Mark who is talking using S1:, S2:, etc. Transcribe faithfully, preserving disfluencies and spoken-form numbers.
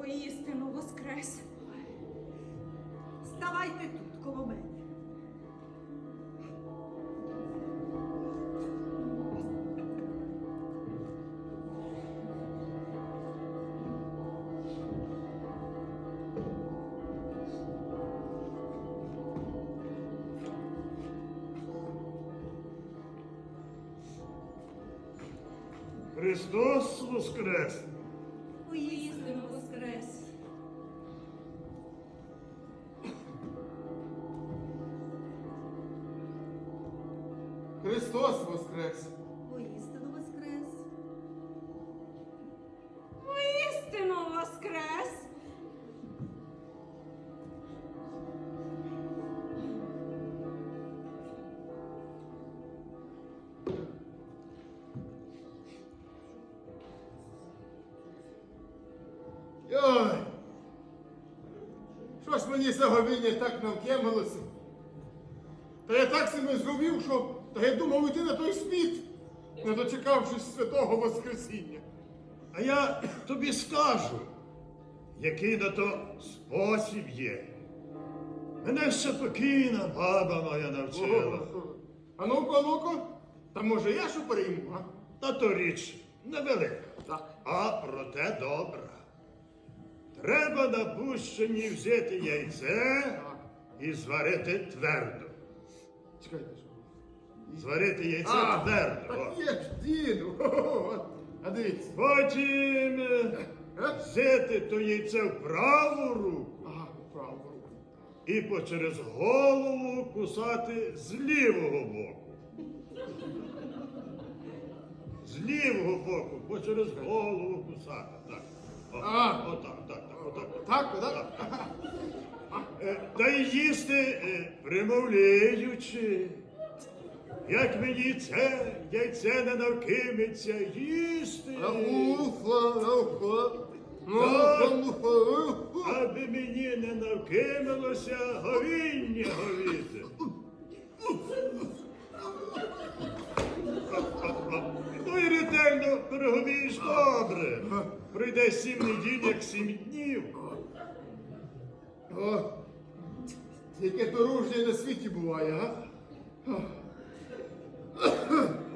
S1: воістину воскрес.
S2: Ставайте тут, коло мене.
S3: Христос воскрес!
S1: Воістину воскрес.
S4: Христос воскрес!
S2: Воістину воскрес.
S1: Воістину воскрес.
S4: Йой! Що ж мені заговіння так навкемилося? Та я так себе зговів, що та я думав іти на той світ, не дочекавшись святого Воскресіння.
S3: А я тобі скажу, який на то спосіб є. Мене ще покійна баба моя навчила.
S4: А ну-ка, а ну-ка, та може я що перейму, а?
S3: Та то річ невелика,
S4: Так.
S3: а проте добра. Треба на пущені взяти яйце
S4: Так.
S3: і зварити твердо.
S4: Чекайте, що?
S3: Зварити яйце
S4: А,
S3: твердо.
S4: так
S3: о.
S4: є ж, діду. Хо-хо-хо. А дивіться.
S3: Потім е,
S4: Е?
S3: взяти то яйце в праву руку
S4: Ага, праву руку.
S3: і по через голову кусати з лівого боку. З лівого боку, по через голову кусати. Так. О,
S4: А.
S3: Отак, так, так, отак.
S4: Так, так?
S3: Е, Та й їсти, е, примовляючи. Як мені це яйце не навкиметься їсти,
S4: Уфа, уфа.
S3: Так.
S4: Уфа, уфа.
S3: аби мені не навкинулося говіння говіти. Ну і ретельно переговієш добре. Пройде сім неділь, як сім днів.
S4: О, яке дорожнє на світі буває, а?